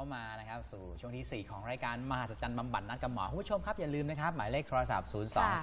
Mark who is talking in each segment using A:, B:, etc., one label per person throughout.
A: เข้ามานะครับสู่ช่วงที่ 4 ของรายการมหัศจรรย์บำบัดนัดกับหมอคุณผู้ชมครับอย่าลืมนะครับหมายเลขโทรศัพท์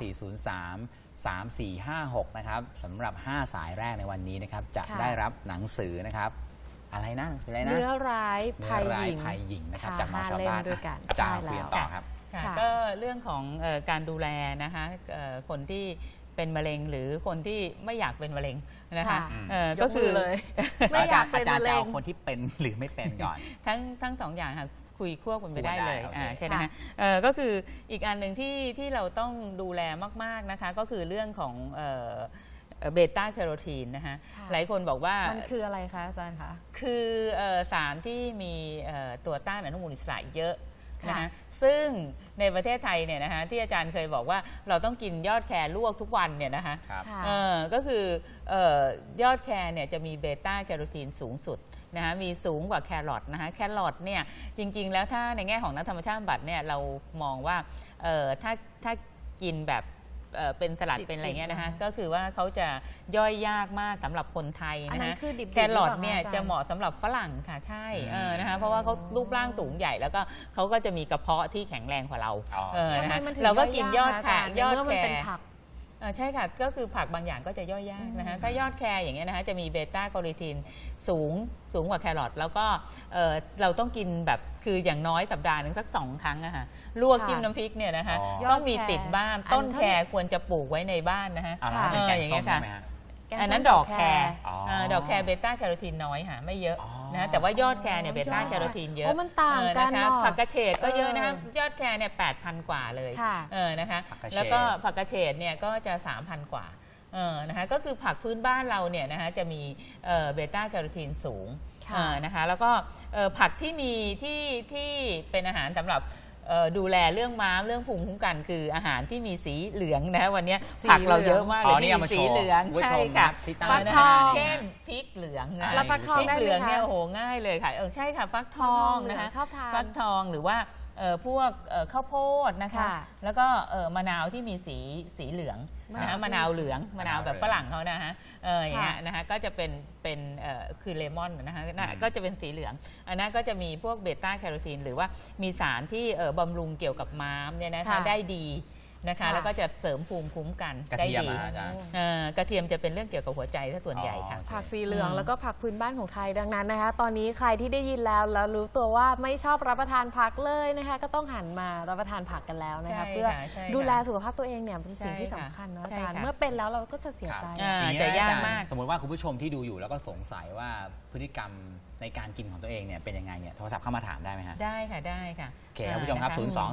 A: 024033456 นะครับสำหรับ 5 สายแรกในวันนี้นะครับจะได้รับหนังสือนะครับอะไรนะเนื้อร้ายภัยหญิงนะครับจากหมอชาวบ้านอาจารย์เปลี่ยนต่อครับ
B: ก็เรื่องของการดูแลนะคะคนที่เป็นมะเร็งหรือคนที่ไม่อยากเป็นมะเร็งนะคะก็คือเลย
A: ไม่อยากเป็นมะเร็งคนที่เป็นหรือไม่เป็นก่อน
B: ทั้งสองอย่างค่ะคุยควบกันไปได้เลยใช่ไหมคะก็คืออีกอันหนึ่งที่เราต้องดูแลมากๆนะคะก็คือเรื่องของเบต้าแคโรทีนนะคะหลายคนบอกว่า
C: มันคืออะไรคะอาจารย์คะ
B: คือสารที่มีตัวต้านอนุมูลอิสระเยอะนะคะซึ่งในประเทศไทยเนี่ยนะคะที่อาจารย์เคยบอกว่าเราต้องกินยอดแครลวกทุกวันเนี่ยนะคะก็คือยอดแครเนี่ยจะมีเบต้าแคโรทีนสูงสุดนะคะมีสูงกว่าแครอทนะคะแครอทเนี่ยจริงๆแล้วถ้าในแง่ของนักธรรมชาติบำบัดเนี่ยเรามองว่าถ้ากินแบบเป็นสลัดเป็นอะไรเงี้ยนะคะก็คือว่าเขาจะย่อยยากมากสำหรับคนไทยนะคะแครอทเนี่ยจะเหมาะสำหรับฝรั่งค่ะใช่นะคะเพราะว่าเขารูปร่างสูงใหญ่แล้วก็เขาก็จะมีกระเพาะที่แข็งแรงกว่าเรานะคะเราก็กินยอดแครใช่ค่ะก็คือผักบางอย่างก็จะย่อยยากนะคะถ้ายอดแครอย่างเงี้ยนะคะจะมีเบต้าแคโรทีนสูงกว่าแครอทแล้วก็เราต้องกินแบบคืออย่างน้อยสัปดาห์หนึ่งสัก2 ครั้งอะค่ะลวกจิ้มน้ำพริกเนี่ยนะคะต้องมีติดบ้านต้นแครควรจะปลูกไว้ในบ้านนะคะอย่างเงี้ยค่ะอันนั้นดอกแครดอกแครเบต้าแคโรทีนน้อยค่ะไม่เยอะนะแต่ว่ายอดแครเนี่ยเบต้าแคโรทีนเยอะ
C: มันต่างกัน
B: นะคะผักกระเฉดก็เยอะนะคะยอดแครเนี่ย8,000 กว่าเลยนะคะแล้วก็ผักกระเฉดเนี่ยก็จะ 3,000 กว่านะคะก็คือผักพื้นบ้านเราเนี่ยนะคะจะมีเบต้าแคโรทีนสูงนะคะแล้วก็ผักที่มีที่เป็นอาหารสำหรับดูแลเรื่องม้ามเรื่องภูมิคุ้มกันคืออาหารที่มีสีเหลืองนะวันนี้ผักเราเยอะมากเลยที่มีสีเหลืองใช่ค่ะ
C: ฟักทอง
B: เช่นพริกเหลืองนะ
C: แล้วฟักทอง
B: พริกเหลืองเนี่ยโอ้โหง่ายเลยค่ะใช่ค่ะฟักทองนะคะฟักทองหรือว่าพวกข้าวโพดนะคะแล้วก็มะนาวที่มีสีเหลืองนะมะนาวเหลืองมะนาวแบบฝรั่งเขานะฮะอย่างเงี้ยนะคะก็จะเป็นคือเลมอนนะคะก็จะเป็นสีเหลืองอันนั้นก็จะมีพวกเบต้าแคโรทีนหรือว่ามีสารที่บำรุงเกี่ยวกับม้ามเนี่ยนะคะได้ดีนะคะแล้วก็จะเสริมภูมิคุ้มกันได้ดีกระเทียมจะเป็นเรื่องเกี่ยวกับหัวใจถ้าส่วนใหญ่ค่ะ
C: ผักสีเหลืองแล้วก็ผักพื้นบ้านของไทยดังนั้นนะคะตอนนี้ใครที่ได้ยินแล้วรู้ตัวว่าไม่ชอบรับประทานผักเลยนะคะก็ต้องหันมารับประทานผักกันแล้วนะคะเพื่อดูแลสุขภาพตัวเองเนี่ยเป็นสิ่งที่สำคัญเนาะอาจารย์เมื่อเป็นแล้วเราก็จะเสียใจ
B: จะยากมาก
A: สมมติว่าคุณผู้ชมที่ดูอยู่แล้วก็สงสัยว่าพฤติกรรมในการกินของตัวเองเนี่ยเป็นยังไงเนี่ยโทรศัพท์เข้ามาถามได้ไหมฮะ
B: ได้ค่ะได้ค่ะ
A: โอเคคุณผู้ชมครับ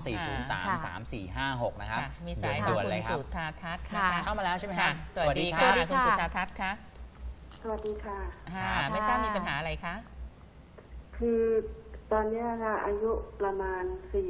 A: 024033456นะครับ
B: มีสายคุณสุธาทัศน์
A: เข้ามาแล้วใช่ไหมครับ
B: สวัสดีค่ะคุณสุธาทัศน์คะ
D: สวัสดีค่ะ
B: ไม่ทราบมีปัญหาอะไรคะ
D: คือตอนนี้ค่ะอายุประมาณ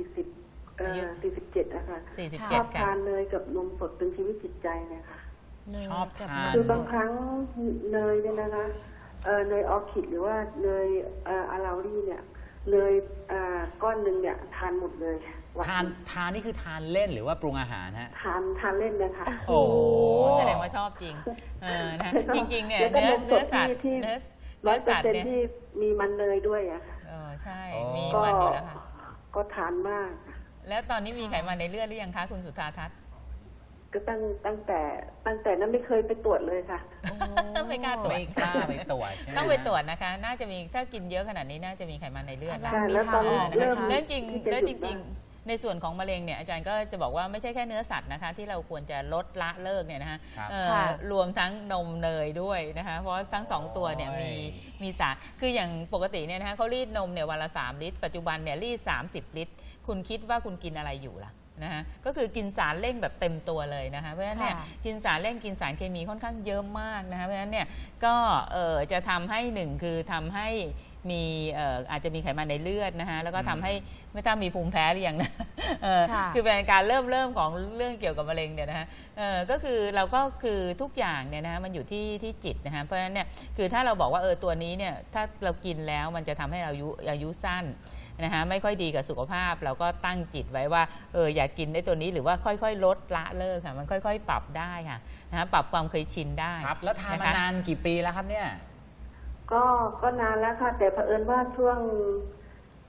D: 47นะคะชอบทานเนยกับนมสดเป็นชีวิตจิตใจเลยค่ะ
A: ชอบทาน
D: คือบางครั้งเนยเนี่ยนะคะเนยออร์คิดหรือว่าเนยอาราลี่เนี่ยเนยก้อนหนึ่งเนี่ยทานหมดเลย
A: ทานนี่คือทานเล่นหรือว่าปรุงอาหารฮะ
D: ทานเล่นนะคะ
B: โอ้แสดงว่าชอบจริงนะจริงๆเนี่ยเนื้อสัตว์
D: ที่100%ที่มีมันเนยด้วยอะค่ะ
B: ใช่มีมันอยู่แล้วค่ะ
D: ก็ทานมาก
B: แล้วตอนนี้มีไขมันในเลือดหรือยังคะคุณสุธาทัศน์
D: ก็ตั้งแต่นั้นไม่เคยไปตรวจเลยค่ะ
B: ต้องไม่กล้าตรวจ
A: ไปตรวจ
B: ต้องไปตรวจนะคะน่าจะมีถ้ากินเยอะขนาดนี้น่าจะมีไขมันในเลือด
D: แล้วตอนเ
B: ริ่มจริงในส่วนของมะเร็งเนี่ยอาจารย์ก็จะบอกว่าไม่ใช่แค่เนื้อสัตว์นะคะที่เราควรจะลดละเลิกเนี่ยนะคะรวมทั้งนมเนยด้วยนะคะเพราะทั้ง2ตัวเนี่ยมีสารคืออย่างปกติเนี่ยนะคะเขารีดนมเนี่ยวันละ3 ลิตรปัจจุบันเนี่ยรีด30 ลิตรคุณคิดว่าคุณกินอะไรอยู่ล่ะนะคะก็คือกินสารเร่งแบบเต็มตัวเลยนะคะเพราะฉะนั้นเนี่ยกินสารเร่งกินสารเคมีค่อนข้างเยอะมากนะคะเพราะฉะนั้นเนี่ยก็จะทำให้1คือทำให้มีอาจจะมีไขมันในเลือดนะคะแล้วก็ทำให้ไม่ทราบมีภูมิแพ้หรือยังนะคือเป็นการเริ่มของเรื่องเกี่ยวกับมะเร็งเนี่ยนะคะก็คือเราก็คือทุกอย่างเนี่ยนะคะมันอยู่ที่จิตนะคะเพราะฉะนั้นเนี่ยคือถ้าเราบอกว่าตัวนี้เนี่ยถ้าเรากินแล้วมันจะทำให้เราอายุสั้นนะคะไม่ค่อยดีกับสุขภาพเราก็ตั้งจิตไว้ว่าอยากกินได้ตัวนี้หรือว่าค่อยๆลดละเลิกค่ะมันค่อยๆปรับได้ค่ะนะปรับความเคยชินได้
A: ครับแล้วทานมานานกี่ปีแล้วครับเนี่ย
D: ก็นานแล้วค่ะแต่เผอิญว่าช่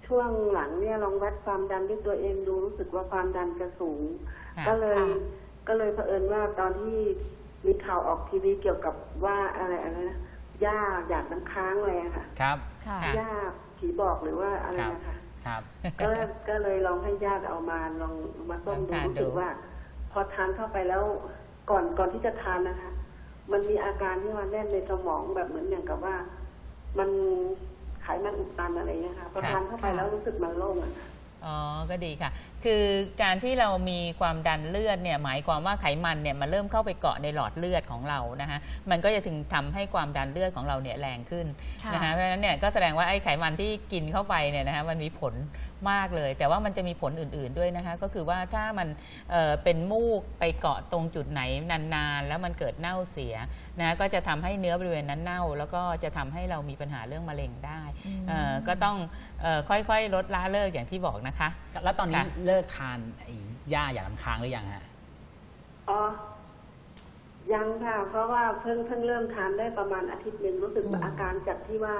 D: ช่วงหลังเนี่ยลองวัดความดันด้วยตัวเองดูรู้สึกว่าความดันจะสูง ก็เลยเผอิญว่าตอนที่มีข่าวออกทีวีเกี่ยวกับว่าอะไรนะย่าหยาดน้ำค้างอะไรอะค่ะ
A: ครับ
D: ย่าผีบอกหรือว่าอะไรนะคะ
A: ครับ
D: ก็เลยลองให้ญาติเอามาลองมาต้มดูรู้สึกว่า พอทานเข้าไปแล้วก่อนที่จะทานนะคะ มันมีอาการที่มันแน่นในสมองแบบเหมือนอย่างกับว่า มันไขมันอุดตันอะไรเงี้ยค่ะพอทานเข้าไปแล้วรู้สึกมันโล่งอะ
B: อ๋อ ก็ดีค่ะ คือการที่เรามีความดันเลือดเนี่ยหมายความว่าไขมันเนี่ยมันเริ่มเข้าไปเกาะในหลอดเลือดของเรานะคะมันก็จะถึงทำให้ความดันเลือดของเราเนี่ยแรงขึ้นนะคะเพราะฉะนั้นเนี่ยก็แสดงว่าไอ้ไขมันที่กินเข้าไปเนี่ยนะคะมันมีผลมากเลยแต่ว่ามันจะมีผลอื่นๆด้วยนะคะก็คือว่าถ้ามันเป็นมูกไปเกาะตรงจุดไหนนานๆแล้วมันเกิดเน่าเสียนะก็จะทำให้เนื้อบริเวณนั้นเน่าแล้วก็จะทำให้เรามีปัญหาเรื่องมะเร็งได้ก็ต้องค่อยๆลดละเลิกอย่างที่บอกนะคะ
A: แล้วตอนนี้เลิกทานย่าหยาดน้ำค้างหรือยังฮะ
D: อ๋อยังค่ะเพราะว่าเพิ่งเริ่มทานได้ประมาณอาทิตย์นึงรู้สึกอาการจากที่ว่า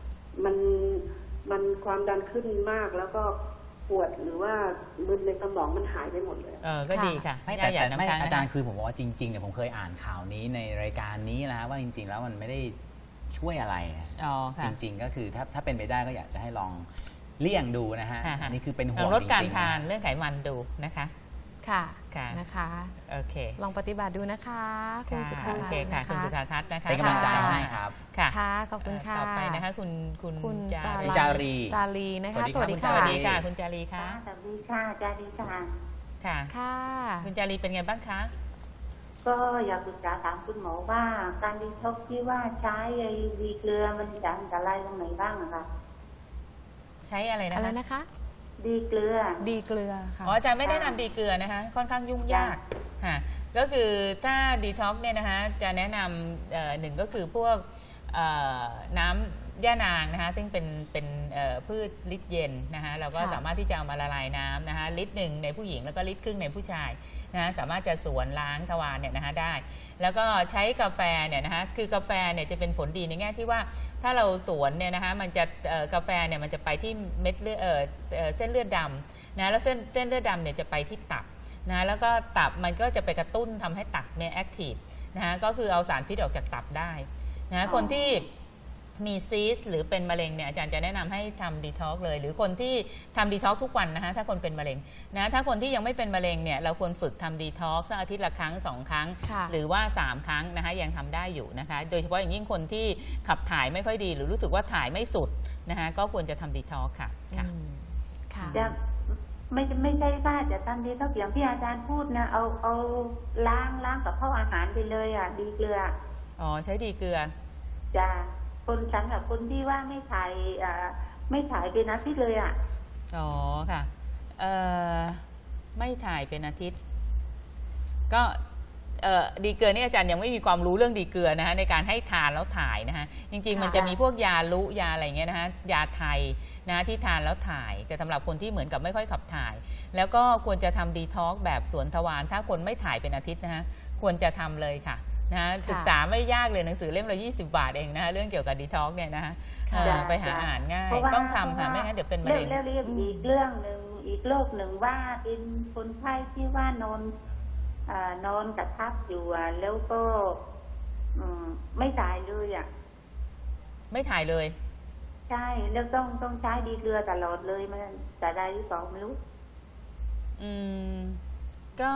D: มันความดันขึ้นมากแล้วก็ปวดหรือว่ามึนในสมองมันหายไปหมดเลย
B: ก็ดีค่ะ
A: แต่อาจารย์คือผมบอกว่าจริงๆเนี่ยผมเคยอ่านข่าวนี้ในรายการนี้นะว่าจริงๆแล้วมันไม่ได้ช่วยอะไรจริงๆก็คือถ้าเป็นไปได้ก็อยากจะให้ลองเลี่ยงดูนะฮะนี่คือเป็นห่วง
B: ลดการทานเรื่องไขมันดูนะคะ
C: ค่ะนะคะ
B: โอเค
C: ลองปฏิบัติดูนะคะคุณสุธาทัศน์
B: นะคะคุณสุธาทัศน์นะคะ
A: เป็นกำลังใจให้ครับ
C: ค่ะขอบคุณค่ะ
B: ต่อไปนะคะคุณ
A: จารี
C: นะคะสวัสดีค่ะ
B: สวัสดีค่ะคุณจารีค่ะ
E: สวัสดีค่ะจารีค่ะ
B: ค่ะคุณจารีเป็นไงบ้างคะ
E: ก็อยากปรึกษาถามคุณหมอว่าการดีท็อกซ์ที่ว่าใช้ดีเกลือมันจะอันตรายตรงไหนบ้างคะ
B: ใช้อะไร
C: นะคะ
E: ดีเกลือ
B: ค่ะอาจารย์ไม่ได้นำดีเกลือนะคะค่อนข้างยุ่งยากค่ะก็คือถ้าดีท็อกซ์เนี่ยนะคะจะแนะนำหนึ่งก็คือพวกน้ำย่านางนะคะซึ่งเป็นพืชลิตรเย็นนะคะเราก็สามารถที่จะเอามาละลายน้ำนะคะลิตรหนึ่งในผู้หญิงแล้วก็ลิตรครึ่งในผู้ชายนะสามารถจะสวนล้างทวารเนี่ยนะคะได้แล้วก็ใช้กาแฟเนี่ยนะคะคือกาแฟเนี่ยจะเป็นผลดีในแง่ที่ว่าถ้าเราสวนเนี่ยนะคะมันจะกาแฟเนี่ยมันจะไปที่เม็ดเลือดเส้นเลือดดำนะแล้วเส้นเลือดดำเนี่ยจะไปที่ตับนะแล้วก็ตับมันก็จะไปกระตุ้นทำให้ตับเนี่ยแอคทีฟนะคะก็คือเอาสารพิษออกจากตับได้นะคนที่มีซีสหรือเป็นมะเร็งเนี่ยอาจารย์จะแนะนำให้ทำดีท็อกซ์เลยหรือคนที่ทำดีท็อกซ์ทุกวันนะคะถ้าคนเป็นมะเร็งนะถ้าคนที่ยังไม่เป็นมะเร็งเนี่ยเราควรฝึกทำดีท็อกซ์สักอาทิตย์ละครั้ง2ครั้งหรือว่า3ครั้งนะคะยังทำได้อยู่นะคะโดยเฉพาะอย่างยิ่งคนที่ขับถ่ายไม่ค่อยดีหรือรู้สึกว่าถ่ายไม่สุดนะคะก็ควรจะทำดีท็อกซ์ค่ะ
E: จะไม่ใช่ว่าจะทำดีท็อกซ์อย่างที่อาจารย์พูดนะเอาล้างกับข้าวอาหารไปเลยอ่ะดีเกลือ
B: ใช้ดีเกลือ
E: จะคนฉันกับคนที่ว่าไม่ถ่ายเป็นอาทิตย์เลยอ่ะ
B: ค่ะไม่ถ่ายเป็นอาทิตย์ก็ดีเกลือนี่อาจารย์ยังไม่มีความรู้เรื่องดีเกลือนะคะในการให้ทานแล้วถ่ายนะคะจริงๆมันจะมีพวกยาลุยาอะไรเงี้ยนะคะยาไทยนะที่ทานแล้วถ่ายแต่สำหรับคนที่เหมือนกับไม่ค่อยขับถ่ายแล้วก็ควรจะทำดีท็อกซ์แบบสวนทวารถ้าคนไม่ถ่ายเป็นอาทิตย์นะคะควรจะทำเลยค่ะนะศึกษาไม่ยากเลยหนังสือเล่มละ20 บาทเองนะคะเรื่องเกี่ยวกับดีท็อกซ์เนี่ยนะคะไปหาอ่านง่ายต้องทำค่ะไม่งั้นเดี๋ยวเป็นมะเร็ง
E: แล้วเรียกอีกเรื่องหนึ่งอีกโรคหนึ่งว่าเป็นคนไข้ที่ว่านอนกระทับอยู่แล้วก็ไม่ถ่ายเลยอ่ะ
B: ไม่ถ่ายเลย
E: ใช่แล้วต้องใช้ดีเกลือตลอดเลยมันจะได้หรือเปล่าไม่รู้
B: ก็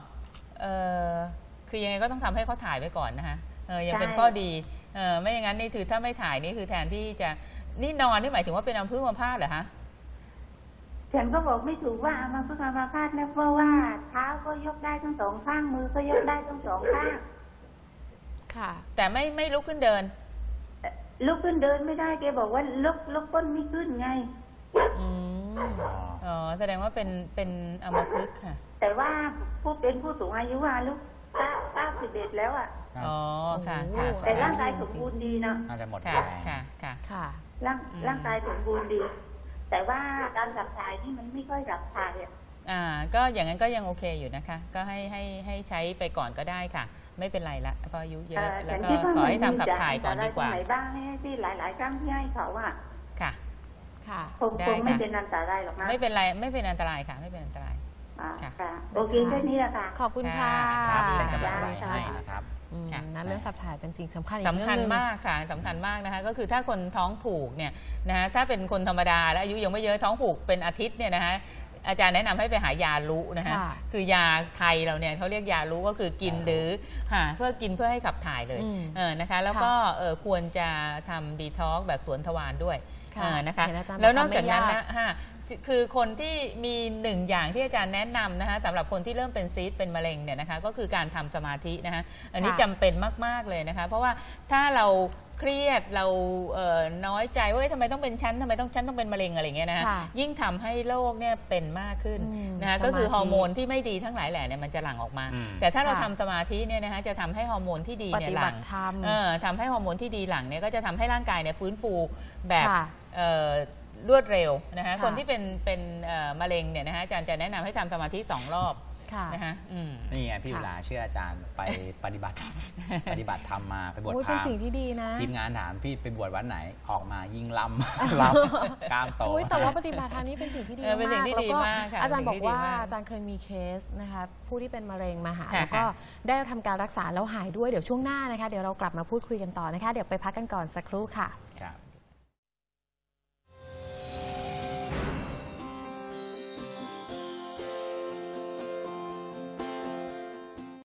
B: คือยังไงก็ต้องทำให้เขาถ่ายไว้ก่อนนะคะยังเป็นข้อดีไม่อย่างนั้นนี่คือถ้าไม่ถ่ายนี่คือแทนที่จะนี่นอนนี่หมายถึงว่าเป็นอัมพฤกษ์อัมพาตเหรอคะ
E: ฉันก็บอกไม่ถูกว่าอัมพฤกษ์อัมพาตนะเพราะว่าเท้าก็ยกได้ทั้ง2ข้างมือก็ยกได้ทั้ง2ข้าง
B: ค่ะแต่ไม่ลุกขึ้นเดิน
E: ลุกขึ้นเดินไม่ได้แกบอกว่าลุกก้นไม่ขึ้นไง
B: แสดงว่าเป็นอัมพฤกษ์ค่ะ
E: แต่ว่าเป็นผู้สูงอายุลุก91แล้วอ่ะ
B: ค่ะ
E: แต่ร่างกายสมบูรณ์ดีนะ
A: น่าจะหมด
B: ค่ะ
E: ร่างกายสมบูรณ์ดีแต่ว่าการขับถ่ายนี่มันไม่ค่อยขับถ่าย
B: ก็อย่างนั้นก็ยังโอเคอยู่นะคะก็ให้ใช้ไปก่อนก็ได้ค่ะไม่เป็นไรละเพราะอายุเยอะแล้วก็ขอให้ทำขับถ่ายก่อนดีกว่า
E: ไหนบ้างที่หลายๆครั้งที่ให้เขา
B: ค่ะ
E: คงไม่เป็นอันตรายหรอกนะ
B: ไม่เป็นไรไม่เป็นอันตรายค่ะไม่เป็นอันตราย
E: ค่ะโอเคแค่นี้แหละค่ะ
C: ขอบคุณค่ะ
A: เป็นกำลังใจให้นะครับ
C: นั่นเรื่องขับถ่ายเป็นสิ่งสำคัญ
B: สำคัญมากค่ะสำคัญมากนะคะก็คือถ้าคนท้องผูกเนี่ยนะถ้าเป็นคนธรรมดาและอายุยังไม่เยอะท้องผูกเป็นอาทิตย์เนี่ยนะคะอาจารย์แนะนำให้ไปหายาลุนะคะคือยาไทยเราเนี่ยเขาเรียกยาลุก็คือกินหรือเพื่อกินเพื่อให้ขับถ่ายเลยนะคะแล้วก็ควรจะทำดีท็อกแบบสวนทวารด้วยนะคะแล้วนอกจากนั้นนะคือคนที่มีหนึ่งอย่างที่อาจารย์แนะนำนะคะสำหรับคนที่เริ่มเป็นซีสต์เป็นมะเร็งเนี่ยนะคะก็คือการทำสมาธินะคะอันนี้จำเป็นมากๆเลยนะคะเพราะว่าถ้าเราเครียดเราน้อยใจว่าทำไมต้องเป็นฉันทำไมฉันต้องเป็นมะเร็งอะไรเงี้ยนะคะยิ่งทำให้โรคเนี่ยเป็นมากขึ้นนะคะก็คือฮอร์โมนที่ไม่ดีทั้งหลายแหล่เนี่ยมันจะหลั่งออกมาแต่ถ้าเราทำสมาธิเนี่ยนะคะจะทำให้ฮอร์โมนที่ดีเนี่ยหลั่งทำให้ฮอร์โมนที่ดีหลั่งเนี่ยก็จะทำให้ร่างกายเนี่ยฟื้นฟูแบบรวดเร็วนะคะคนที่เป็นมะเร็งเนี่ยนะคะอาจารย์จะแนะนำให้ทำสมาธิ2 รอบนะคะ
A: นี่ไงพี่เวลาเชื่ออาจารย์ไปปฏิบัติธรรมมาไปบวชพราหมณ์
C: เป็นสิ่งที่ดีนะ
A: ทีมงานถามพี่ไปบวชวัดไหนออกมายิ่งล้ำกล้ามโต
C: แต่ว่าปฏิบัติธรรมนี่เป็นสิ่งที่ดีมากแล้วก็อาจารย์บอกว่าอาจารย์เคยมีเคสนะคะผู้ที่เป็นมะเร็งมาหาแล้วก็ได้ทำการรักษาแล้วหายด้วยเดี๋ยวช่วงหน้านะคะเดี๋ยวเรากลับมาพูดคุยกันต่อนะคะเดี๋ยวไปพักกันก่อนสักครู่ค่ะ